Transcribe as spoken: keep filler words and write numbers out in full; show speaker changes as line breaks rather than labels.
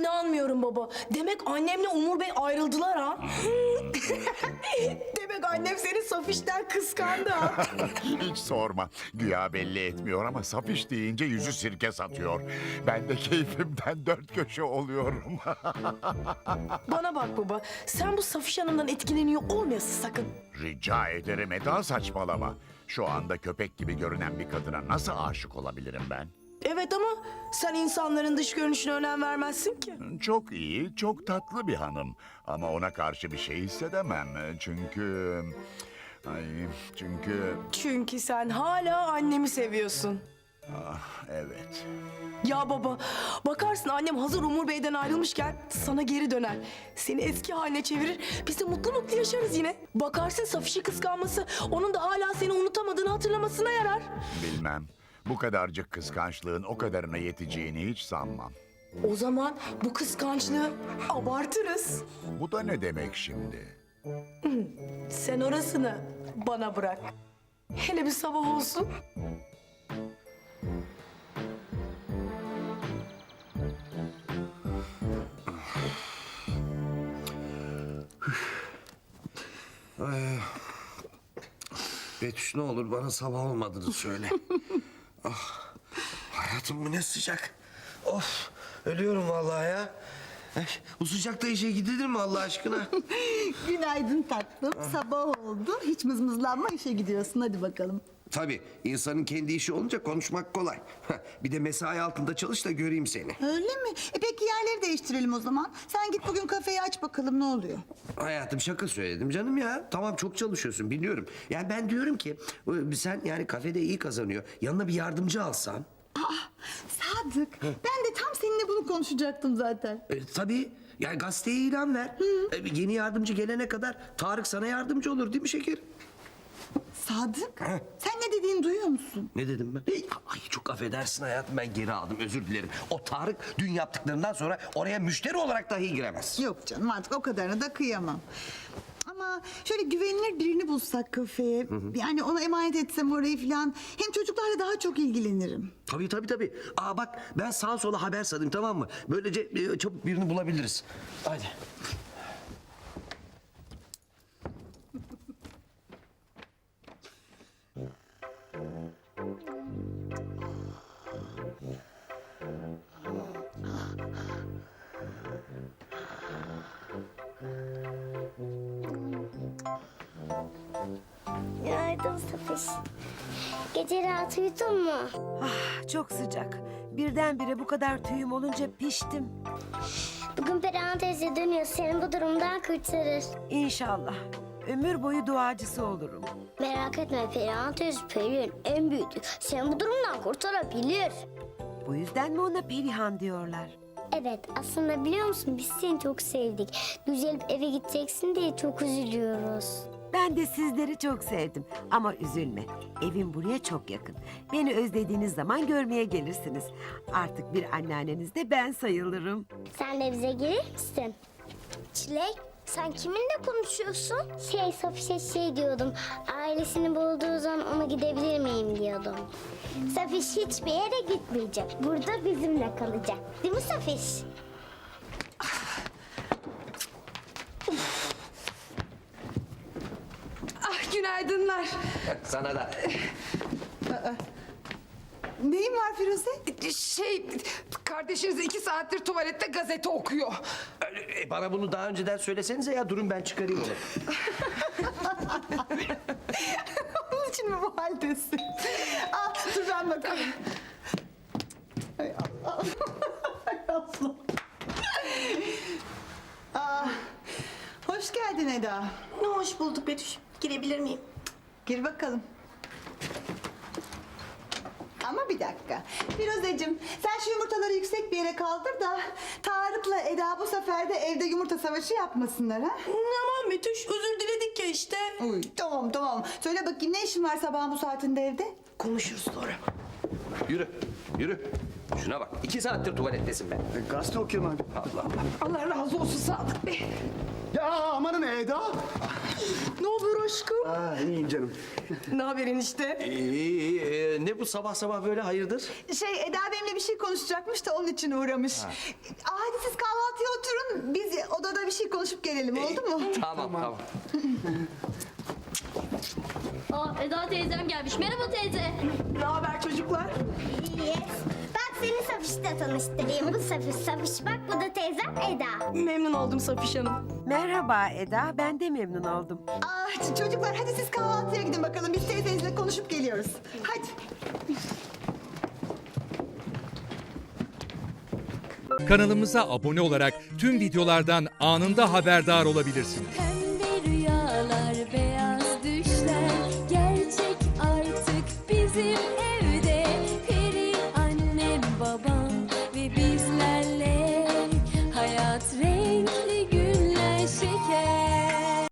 İnanmıyorum baba. Demek annemle Umur Bey ayrıldılar ha. Demek annem seni Safiş'ten kıskandı ha.
Hiç sorma. Güya belli etmiyor ama Safiş deyince yüzü sirke satıyor. Ben de keyfimden dört köşe oluyorum.
Bana bak baba. Sen bu Safiş Hanım'dan etkileniyor olmayasın sakın.
Rica ederim Eda, saçmalama. Şu anda köpek gibi görünen bir kadına nasıl aşık olabilirim ben?
Evet ama sen insanların dış görünüşüne önem vermezsin ki.
Çok iyi, çok tatlı bir hanım. Ama ona karşı bir şey hissedemem. Çünkü... Ay, çünkü...
Çünkü sen hala annemi seviyorsun.
Ah, evet.
Ya baba, bakarsın annem hazır Umur Bey'den ayrılmışken sana geri döner. Seni eski haline çevirir, biz de mutlu mutlu yaşarız yine. Bakarsın Safiş'i kıskanması, onun da hala seni unutamadığını hatırlamasına yarar.
Bilmem. Bu kadarcık kıskançlığın o kadarına yeteceğini hiç sanmam.
O zaman bu kıskançlığı abartırız.
Bu da ne demek şimdi?
Sen orasını bana bırak. Hele bir sabah olsun.
Betüş, ne olur bana sabah olmadığını söyle. Ah, hayatım bu ne sıcak. Of, ölüyorum vallahi ya. Ay, bu sıcakta işe gidilir mi Allah aşkına?
Günaydın tatlım. Sabah oldu. Hiç mızmızlanma, işe gidiyorsun. Hadi bakalım.
Tabii, insanın kendi işi olunca konuşmak kolay. Bir de mesai altında çalış da göreyim seni.
Öyle mi? E peki yerleri değiştirelim o zaman. Sen git bugün kafeyi aç bakalım, ne oluyor?
Hayatım, şaka söyledim canım ya. Tamam, çok çalışıyorsun biliyorum. Yani ben diyorum ki sen yani kafede iyi kazanıyor. Yanına bir yardımcı alsan.
Aa, Sadık, ben de tam seninle bunu konuşacaktım zaten.
E, tabii. Yani gazeteye ilan ver. E, yeni yardımcı gelene kadar Tarık sana yardımcı olur değil mi şeker?
Sadık, sen ne dediğini duyuyor musun?
Ne dedim ben? Ay, çok affedersin hayatım, ben geri aldım, özür dilerim. O Tarık dün yaptıklarından sonra oraya müşteri olarak dahi giremez.
Yok canım, artık o kadarına da kıyamam. Ama şöyle güvenilir birini bulsak kafeye, yani ona emanet etsem orayı falan, hem çocuklarla daha çok ilgilenirim.
Tabii tabii tabii. Aa bak, ben sağa sola haber salayım, tamam mı? Böylece e, çabuk birini bulabiliriz. Hadi.
Günaydın Safiş. Gece rahat uyudun mu?
Ah, çok sıcak. Birdenbire bu kadar tüyüm olunca piştim.
Bugün Perihan teyze dönüyor. Seni bu durumdan kurtarır.
İnşallah. Ömür boyu duacısı olurum.
Merak etme, Perihan teyze Perihan en büyüğü. Seni bu durumdan kurtarabilir.
Bu yüzden mi ona Perihan diyorlar?
Evet, aslında biliyor musun biz seni çok sevdik. Düzelip eve gideceksin diye çok üzülüyoruz.
Ben de sizleri çok sevdim. Ama üzülme. Evim buraya çok yakın. Beni özlediğiniz zaman görmeye gelirsiniz. Artık bir anneanneniz de ben sayılırım.
Sen de bize gelir misin? Çilek, sen kiminle konuşuyorsun? Şey, Safiş'e şey diyordum. Ailesini bulduğu zaman ona gidebilir miyim diyordum. Safiş hiçbir yere gitmeyecek. Burada bizimle kalacak. Değil mi Safiş?
Ah günaydınlar.
Sana da.
Neyin var Firuze?
Şey, kardeşiniz iki saattir tuvalette gazete okuyor.
E, bana bunu daha önceden söylesenize ya, durun ben çıkarayım onu.
Onun için mi bu haldesin? Aa, dur ben bakalım. Hay Allah. Hay Allah. Aa, hoş geldin Eda.
Ne hoş bulduk Betüş. Girebilir miyim?
Gir bakalım. Ama bir dakika. Firuzeciğim, sen şu yumurtaları yüksek bir yere kaldır da Tarık'la Eda bu sefer de evde yumurta savaşı yapmasınlar ha?
Aman Betüş, özür diledik ya işte.
Uy, tamam tamam. Söyle bakayım, ne işin var sabahın bu saatinde evde?
Konuşuruz sonra.
Yürü, yürü. Şuna bak, iki saattir tuvalettesin ben.
Gazete okuyorum abi.
Allah Allah.
Allah razı olsun Sadık Bey.
Ya amanın Eda.
Ne olur aşkım?
Aa, iyiyim canım.
Ne haberin işte?
İyi, iyi, iyi. Ne bu sabah sabah böyle, hayırdır?
Şey, Eda benimle bir şey konuşacakmış da onun için uğramış. Aa, hadi siz kahvaltı konuşup gelelim oldu mu?
Tamam tamam.
Aa, Eda teyzem gelmiş. Merhaba teyze.
Ne haber çocuklar?
Yes. Bak seni Safiş'le tanıştırayım. Bu Safiş, Safiş bak bu da teyzem Eda.
Memnun oldum Safiş Hanım.
Merhaba Eda, ben de memnun oldum.
Aa, ç- çocuklar hadi siz kahvaltıya gidin bakalım. Biz teyzenizle konuşup geliyoruz. Hadi.
Kanalımıza abone olarak tüm videolardan anında haberdar olabilirsiniz.